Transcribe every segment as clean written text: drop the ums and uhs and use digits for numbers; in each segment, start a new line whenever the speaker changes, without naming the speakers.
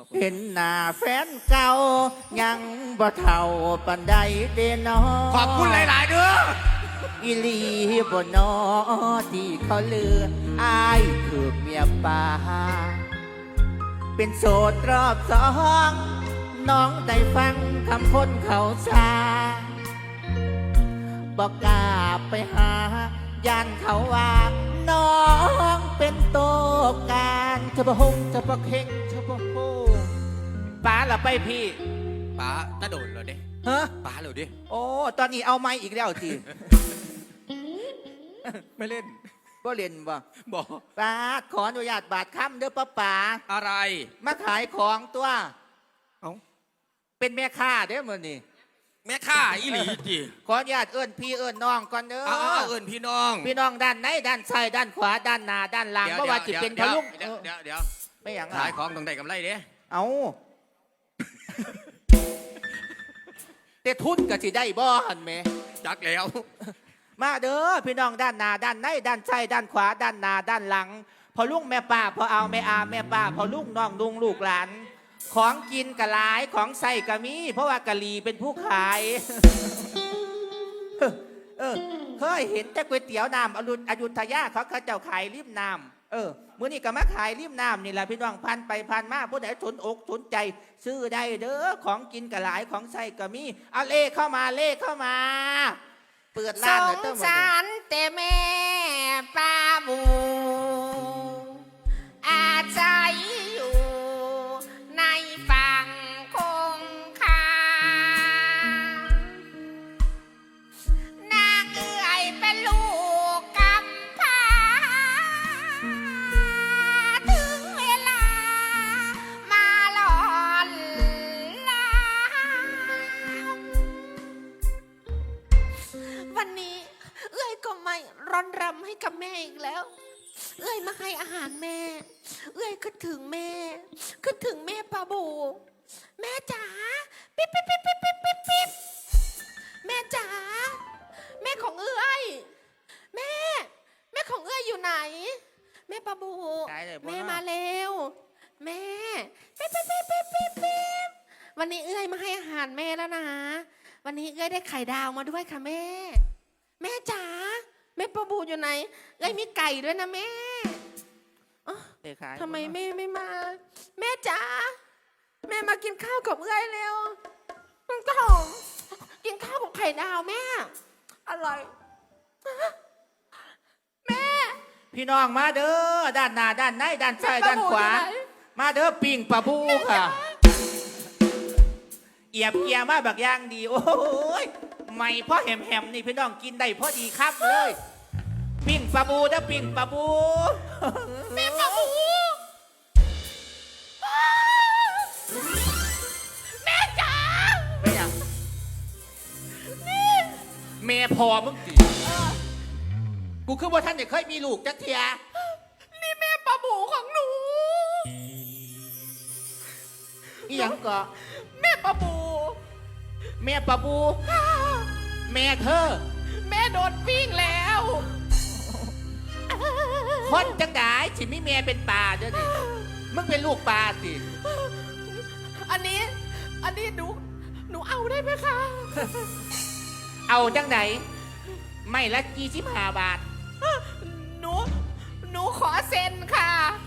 เห็นหน้าแฟนเก่ายังบ่เท่าปันใดเดนอ
ขอบคุณหลายๆเด้อ
อีลีบ่นอที่เขาเลืออายคือเมียป่าเป็นโสดรอบสองน้องได้ฟังคำพ้นเขาซาบอกกล้าไปหาย่านเขาว่าน้องเป็นโตการเฉพาะหงเฉพาะเข่งเฉพาะโฮป้าละไปพี่
ป๋าตาโดนเหรอเด้
ฮะ
ป๋าเหรอเด้
โอ้ตอนนี้เอาไม้อีกแล้วจี
ไม่เล่น
บ่เล่นบ่
บอก
ป้าขออนุญาตบาดค่ำเด้อป้าป๋า
อะไร
มาขายของตัว
เอ้า
เป็นแม่ค้าเด้อมื้อนี้
แม่ข้าอีหลีจี
ขออนุญาตเอิ้นพี่เอิ้นน้องก่อนเด้อ
เอิ้นพี่น้อง
พี่น้องด้านไหนด้านซ้ายด้านขวาด้านหน้าด้านหลังเพราะว่าจิเป็นพะลุง
เดี๋ยว
ไม่อย่าง
ขายของต้องได้กำไรเด้
เอาแต่ทุนก็สิได้บ่หั่นแหม
จักแล้ว
มาเด้อพี่น้องด้านหน้าด้านไหนด้านซ้ายด้านขวาด้านหน้าด้านหลังพอลุงแม่ป้าพอเอาแม่อาแม่ป้าพอลุงน้องลุงลูกหลานของกินกะหลายของใส่กะมีเพราะว่ากะลีเป็นผู้ขายเคยเห็นแต่ก๋วยเตี๋ยวน้ำอยุธยาเขาเจ้าขายริมน้ำมื้อนี้ก็มาขายริมน้ำนี่แหละพี่น้องพันไปพันมาผู้ใดสนอกสนใจซื้อได้เด้อของกินกะหลายของใส่กะมีเอาเลขเข้ามาเปิดร้านหน่อยเติม
สงสารแต่แม่ป้าบูอาศัยอยู่ในฝั่งคงคานางเอื้อยเป็นลูกกำพร้าถึงเวลามาหลอนลาวันนี้เอื้อยก็ไม่ร้อนรำให้กับแม่อีกแล้วเอื้อยมาให้อาหารแม่เอื้อยคิดถึงแม่คิดถึงแม่ปาบูแม่จ๋าปิ๊บปิ๊บปิ๊บปิ๊บปิ๊บปิ๊บปิ๊บแม่จ๋าแม่ของเอื้อยแม่ของเอื้อยอยู่ไหนแม่ปาบูแม่มาเร็วแม่ปิ๊บปิ๊บปิ๊บปิ๊บปิ๊บปิ๊บวันนี้เอื้อยมาให้อาหารแม่แล้วนะวันนี้เอื้อยได้ไข่ดาวมาด้วยค่ะแม่จ๋าแม่ปาบูอยู่ไหนเอ้ยมีไก่ด้วยนะแม่ทำไมแม่ไม่มาแม่จ๋าแม่มากินข้าวกับเอ้ยเร็วมันก็หอมกินข้าวกับไข่ดาวแม่อร่อยแม่
พี่น้องมาเด้อด้านหน้าด้านไหนด้านซ้ายด้านขวามาเด้อปิ่งปลาบูค่ะเอียบเกียมาบักย่างดีโอ้ยไม่พ่อแหมนี่พี่น้องกินได้พอดีครับเลยปิ้งปลาบูนะปิ้งปลาบู
แม่ปลาบูแม่จ๋า
ไม่ยังแม่พอมึงสิกูคือว่าท่านเนี่ยเคยมีลูกจักเทีย
นี่แม่ปลาบูของหนู
อีหยังก็
แม่ปลาบู
แม่ปลาบูแม่เธอ
แม่โดนปิ้งแล้ว
คนจังได้สิมีแม่เป็นปลาเด้อนี่มึงเป็นลูกปลาสิ
อันนี้หนูเอาได้ไหมคะ
เอาจังไหนไม่ละ25 บาท
หนูขอเซ็นค่ะ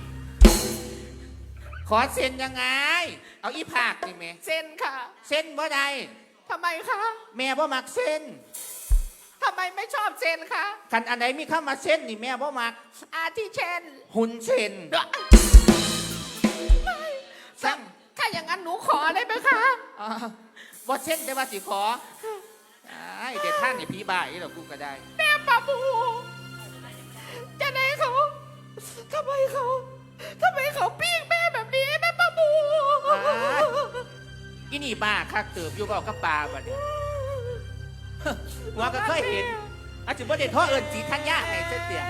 ขอเซ็นยังไงเอาอีภาคนี่แม่
เซ็นค่ะ
เซ็นบ่ได้
ทำไมคะ
แม่บ่มักเซ็น
ทำไมไม่ชอบเซ็นคะ
คันอันไหนมีเข้ามาเซ็นนี่แม่บ่มัก
อาทิเช่น
หุ่นเซ็น
สั่งถ้าอย่างนั้นหนูขอได้ไหมคะ
บ่เซ็นได้ว่าสิขอเดี๋ยวท่านนี่พี่บ่ายนี่หรอกูก็ได้
แม่ปาบูจะไหนเขาทำไมเขาปิ้งแม่แบบนี้แม่ปาบู
อีนี่บ้าคักเติบอยู่กับปลาบ่เนี่ยว่าก็เคยเห็นอาจจะบ่ได้ท่อเอิญสีทัญญาให้เสีย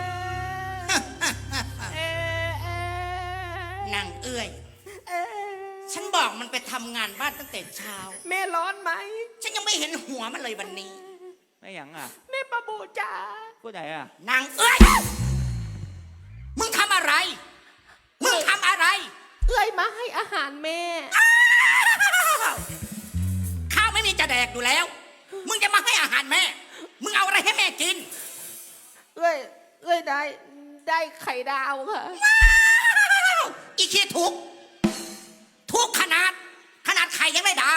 นางเอื้อยฉันบอกมันไปทำงานบ้านตั้งแต่เช้า
แม่ร้อนไหม
ฉันยังไม่เห็นหัวมันเลยวันนี้
ไม่หยังอ่ะ
แม่ปาบูจ๋า
ผู้ใดอ่ะ
นางเอื้อยมึงทำอะไร
เอื้อยมาให้อาหารแม่
อยู่แล้ว มึงจะมาให้อาหารแม่ มึงเอาอะไรให้แม่กิน
เอ้ยได้ไข่ดาวค่ะ
อีขี้ทุกขนาดไข่ยังได้ดาว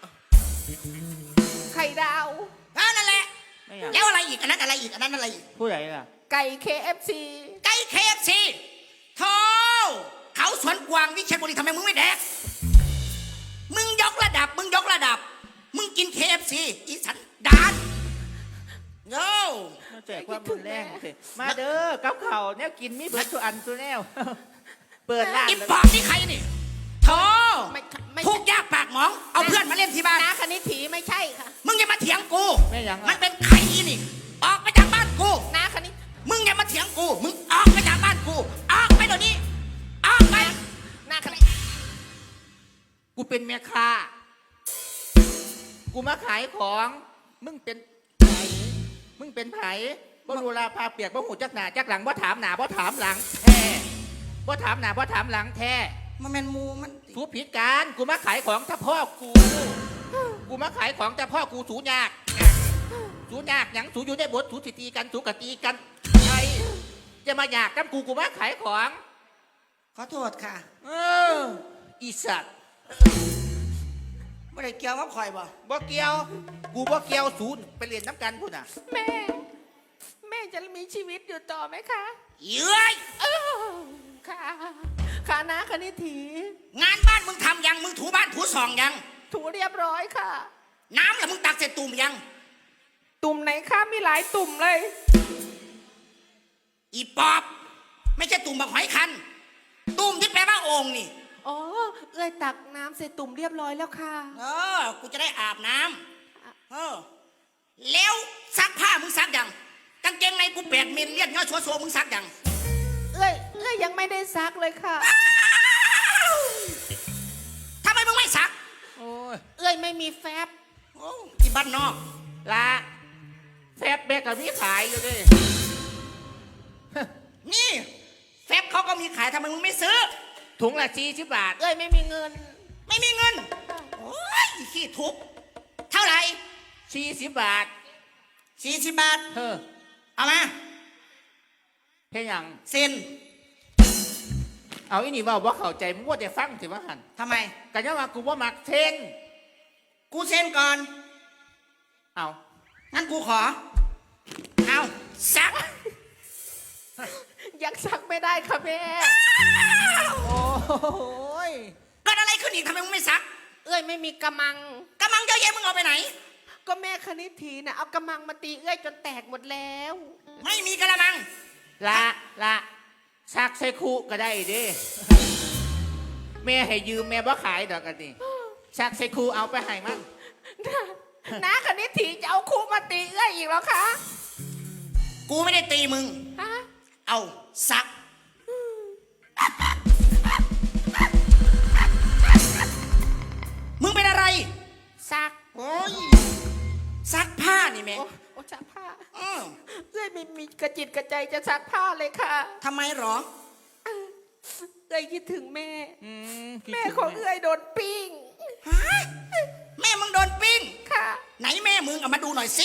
ไข่ดาว
นั่นแหละ
ไม่อยาก
แล้วอะไรอีกอันนั้นอะไรอีกอันนั้นอะไรอีก
ผู้ใดล่ะ
ไก่ KFC
ไก่ KFC โธ่เขาสวนกวางวิเชียรบุรีทำไมมึงไม่แดก มึงยกระดับ มึงกิน KFC อีสันดานโย่
มาแจกความรุนแรงสิมาเด้อกับเขาวเนี่ยกินมีเบิร์ดทุกอันทุกแนว เปิดร้าน
อี
เลย
ปอบนี่ใครนี่โธ่
ไม่
ทุกข์ยากปากหมอง เอาเพื่อนมาเล่นที่บ้าน
นาคณิตถีไม่ใช่ค่ะ
มึงอย่ามาเถียงกู
แม่ยัง
มั
อ่ะ
นเป็นไข่อีนี่ ออกไปจากบ้านกู
นาคณิต
มึงอย่ามาเถียงกู มึงออกไปจากบ้านกู ออกไปเดี๋ยวนี้ ออกไป
นาคณิต
กูเป็นแม่ค้ากูมาขายของ มึงเป็นไผมึงเป็นไผบ่รู้ลาพาเปียกบ่หูจักหน้าจักหลังบ่ถามหน้าบ่ถามหลังแท้บ่ถามหน้าบ่ถามหลังแท้
มันเป็นมูมัน
สูผิดการกูมาขายของถ้าพ่อกูมาขายของแต่พ่อกูสูยากสูยากหยังสูอยู่ได้บทสูสิตีกันสูกะตีกันไอ้จะมาอยากกับกูมาขายของ
ขอโทษค่ะ
เอออีสัตว์
ไม่ได้เกี่ยวกับข่อยบ่
บ่เกี่ยวกูบ่เกี่ยวศูนย์ไปเรียนน้ำกันพุ่นน่ะ
แม่จะมีชีวิตอยู่ต่อไหมคะ
เย้ย
ค่ะนาคณิตถี
งานบ้านมึงทำยัง มึงถูบ้านถูซองยัง
ถูเรียบร้อยค่ะ
น้ำล่ะมึงตักเสร็จตุ่มยัง
ตุ่มไหนคะมีหลายตุ่มเลย
อีปอบ ไม่ใช่ตุ่มแบบหอยคัน ตุ่มที่แปลว่าโอ่งนี่
อ๋อเอ้ยตักน้ำใส่ตุ่มเรียบร้อยแล้วค่ะ
กูจะได้อาบน้ำแล้วซักผ้ามึงซักยังกางเกงในกู8 มิลเลียดย่อชัวมึงซักยัง
เอ้ยยังไม่ได้ซักเลยค่ะ
ทำไมมึงไม่ซัก
โอ้ย
เอ้ยไม่มีแฟบ
โอ้ที่บ้านนอก
ละแฟบแบกกับมีขายอยู่ดิ
นี่แฟบเขาก็มีขายทำไมมึงไม่ซื้อ
ถุงละ40 บาท
เอ้ยไม่มีเงิน
ไม่มีเงิน โอ้ยอีขี้ทุกข์เท่าไหร่
40 บาท
40 บาท
เฮ้อ
เอามา
เพียงหยัง
เซ็น
เอาอีนี่เว่าบ่เข้าใจมึงว่าจะฟังสิว่าหัน
ทำไม
กันยังว่ากูว่ามักเส้น
กูเซ็นก่อน
เอา
งั้นกูขอ เอาซัก
ยังซักไม่ได้ค่ะแม่
โอ้ย
เกิดอะไรขึ้นอีกทำไมมึงไม่ซัก
เอ้ยไม่มีกระมัง
กำลังเยอะแยะมึงเอาไปไหน
ก็แม่คณิตถีนะเอากระมังมาตีเอ้ยจนแตกหมดแล้ว
ไม่มีกระมัง
ละซักใส่คู่ก็ได้เดิแม่ให้ยืมแม่บ่ขายดอกกันนี่ซักใส่คู่เอาไปให้มัน
น้าคณิตถีจะเอาครูมาตีเอ้ยอีกแล้วคะ
กูไม่ได้ตีมึง
ฮะ
เอาซัก มึงเป็นอะไร
ซัก
โอ้ย ซักผ้านี่แม่
โอ้ซักผ้า
อืม
เอ้ยไม่มีกระจิตกระใจจะซักผ้าเลยค่ะ
ทำไมหรอ
เอ้ยคิดถึงแม่
คิด
แม่
ถึ
ของเอ้ยโดนปิ้ง
ฮะ แม่มึงโดนปิ้ง
ค่ะ
ไหนแม่มึงเอามาดูหน่อยสิ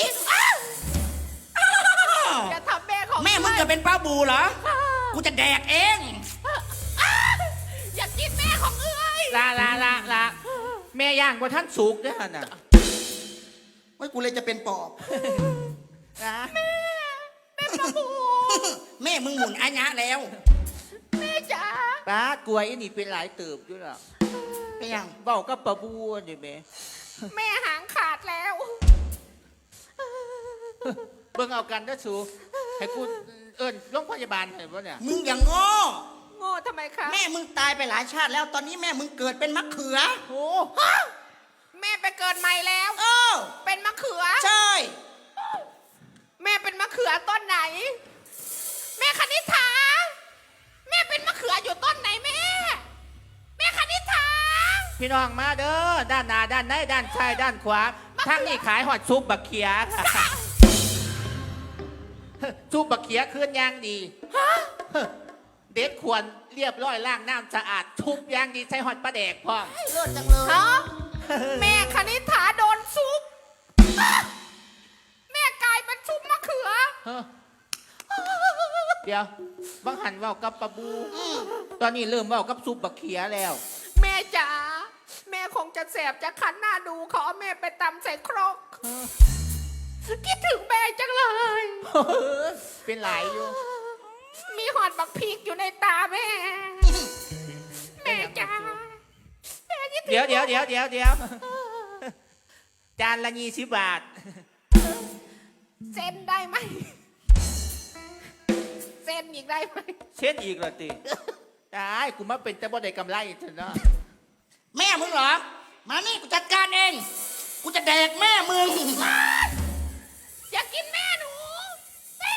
อย่าทำแม่ของ
แม่มึงจะเป็นป้าบูเหรอ กูจะแดกเอง
อยากกินแม่ของเอ้ย
ละแม่ย่างบนท่านสุกด้วยน่ะ
ว่ากูเลยจะเป็นปอบ
นะ
แม่ประบู
แม่มึงหมุนอัญญะแล้ว
แม่จ๋า
ป้ากลัวอีนี่เป็นหลายเติบด้วยหรอ
เป็นยัง
เบาก็ปะบัวอยู่แม่
แม่หางขาดแล้ว
เบิ่งเอากันเด้อสูให้กูเอิ้นโรงพยาบาลให้บ่เนี่ย
มึงอย่างโง่
โง่ทำไมคะ
แม่มึงตายไปหลายชาติแล้ว ตอนนี้แม่มึงเกิดเป็นมะเขือ
โอ้
แม่ไปเกิดใหม่แล้ว
เออ
เป็นมะเขือ
ใช่
แม่เป็นมะเขือต้นไหน แม่คณิษฐาแม่เป็นมะเขืออยู่ต้นไหนแม่ แม่คณิษฐา
พี่น้องมาเด้อด้านหน้าด้านในด้านซ้ายด้านขวาทางนี้ขายหอดซุปบักเขียค่ะซุปบักเขียเคลื่อนย่างดีเด็ดควรเรียบร้อยล้างน้ำสะอาดทุบย่างดีใส่หอดปลาแดกพร้อม
เลิศจังเลยฮะแม่คณิษฐาโดนซุป
เฮ้อเดี๋ยวบังหันเว้ากับปลาบู ตอนนี้เริ่มเว้ากับซุปบักเขียแล้ว
แม่จ๋าแม่คงจะแสบจะคันหน้าดูขอเอาแม่ไปตำใส่ครกคิดถึงแม่จังเลย
เป็นหลายอยู่
มีหอดบักพริกอยู่ในตาแม่ แม่จ๋าแม่คิดถึง
เดี๋ยวจานละ20 บาท
เซ็นได้ไหมเซ็นอีกได้ไหม
เช่นอีกเหรอติได้กูมาเป็นแต่บ่ได้กำไรเถอะเนาะ
แม่มึงเหรอ มานี่กูจัดการเอง กูจะแดกแม่มึง
อยากกินแม่หนูแม่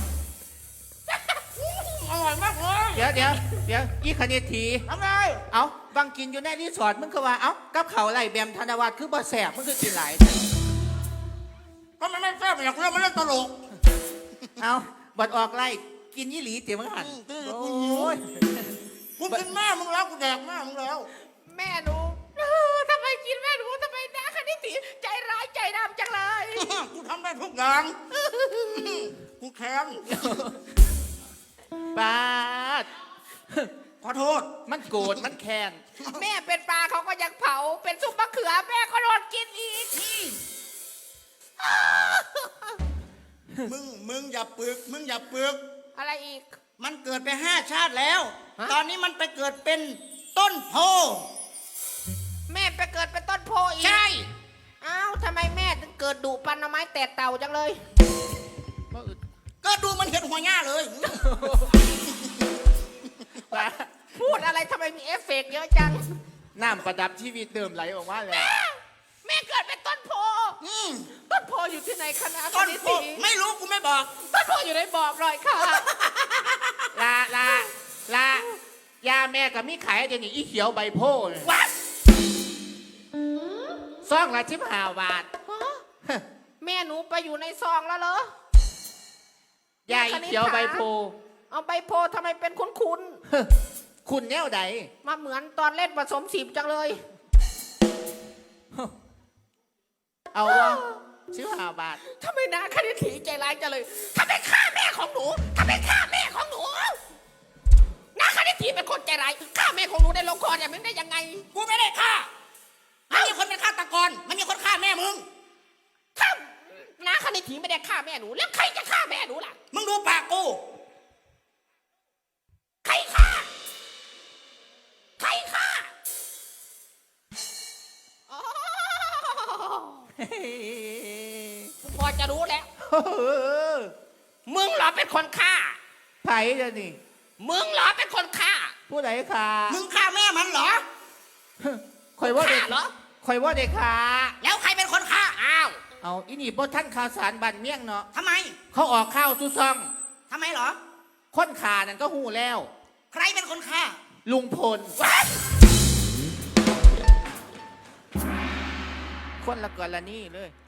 อร่อยมากเลย
เดี๋ยวอีคณิตถี
ทำไง
เอาบางกินอยู่ในรีสอร์ทมึงก็ว่า เอากับเขาวไรแบมธนวัฒน์คือบ่แสบมึงคือกินหลาย
ก็มันไม่แซ่บอยากเล่นมันเล่นตลก
เอาบัดออกไล่กินยี่หลีเตี๋ยวมึงหัน
กู
โอ้ย
กูกินแม่มึงแล้วกูแดกแม่มึงแล้ว
แม่หนูทำไมกินแม่หนูทำไมนะคณิตถีใจร้ายใจดำจังเลย
กูทำได้ทุกอย่าง กูแค้น
บาด
ขอโทษ
มันโกรธมันแค้น
แม่เป็นปลาเขาก็ยังเผา เป็นซุปมะเขือแม่ก็โดนกินอีก
มึงอย่าปึก มึงอย่าปึก
อะไรอีก
มันเกิดไป5 ชาติแล้ว
ฮะ
ตอนนี้มันไปเกิดเป็นต้นโพ
แม่ไปเกิดเป็นต้นโพอีก
ใช่
อ้าวทำไมแม่ถึงเกิดดุปันเอาไม้แตะเต่าจังเลย
บ่อึด
ก็ดูมันเห็นหัวหน้าเลย
บาด
พูดอะไรทำไมมีเอฟเฟกต์เยอะจัง
น้ำประดับชีวิตเดิมไหลออกมาแล้ว
แม่เกิดเป็นต้นโพ
อืม
ต้นโพอยู่ที่ไหนคณะ
ต้น
นิ
โพ
ติ
ไม่รู้กูไม่บอก
ต้นโพอยู่ในบอกหน่อยค่ะ
ลายาแม่กับมีขายเดี๋ยวนี้อีเขียวใบโพเนี่ย
วัด
ซองละ15 บาท
แม่หนูไปอยู่ในซองแล้วเหรอย
าอีเขียวใบโพ
เอาใบโพทำไมเป็นคุ้น
คุณแนวใด
ๆมาเหมือนตอนเล่นผสมสีจังเลย
เอาวะ15 บาท
ทำไมนาคณิตถีใจร้ายจังเลยทำไมฆ่าแม่ของหนูทำไมฆ่าแม่ของหนูนาคณิตถีเป็นคนใจร้ายฆ่าแม่ของหนูได้ลงคออย่างนี้ได้ยังไง
กูไม่ได้ฆ่าไม่มีคนเป็นฆาตกรไม่มีคนฆ่าแม่มึง
ถ้านาคณิตถีไม่ได้ฆ่าแม่หนูแล้วใครจะฆ่าแม่หนูล่ะ
มึงดูปากกู
ใครฆ่าใครฆ่าอ๋อพอจะรู้แล้ว มึงเหรอเป็นคนฆ่า
ไผเดี๋ยวนี้
มึงเหรอเป็นคนฆ่า
ผู้ใดขา
มึงฆ่าแม่มันเหรอ
คอยว่าเด็ก
ฆ่าเหรอ
คอยว่าเด็กขา
แล้วใครเป็นคนฆ่า
อ้าว
เอาอีนี่บ่ท่านข่าวสารบันเมี่ยงเนาะ
ทำไม
เขาออกข้าวซุซอง
ทำไมเหรอ
ค้นขานั่นก็หูแล้ว
ใครเป็นคนฆ่า
ลุงพล
วัด
คนละกรณีเลย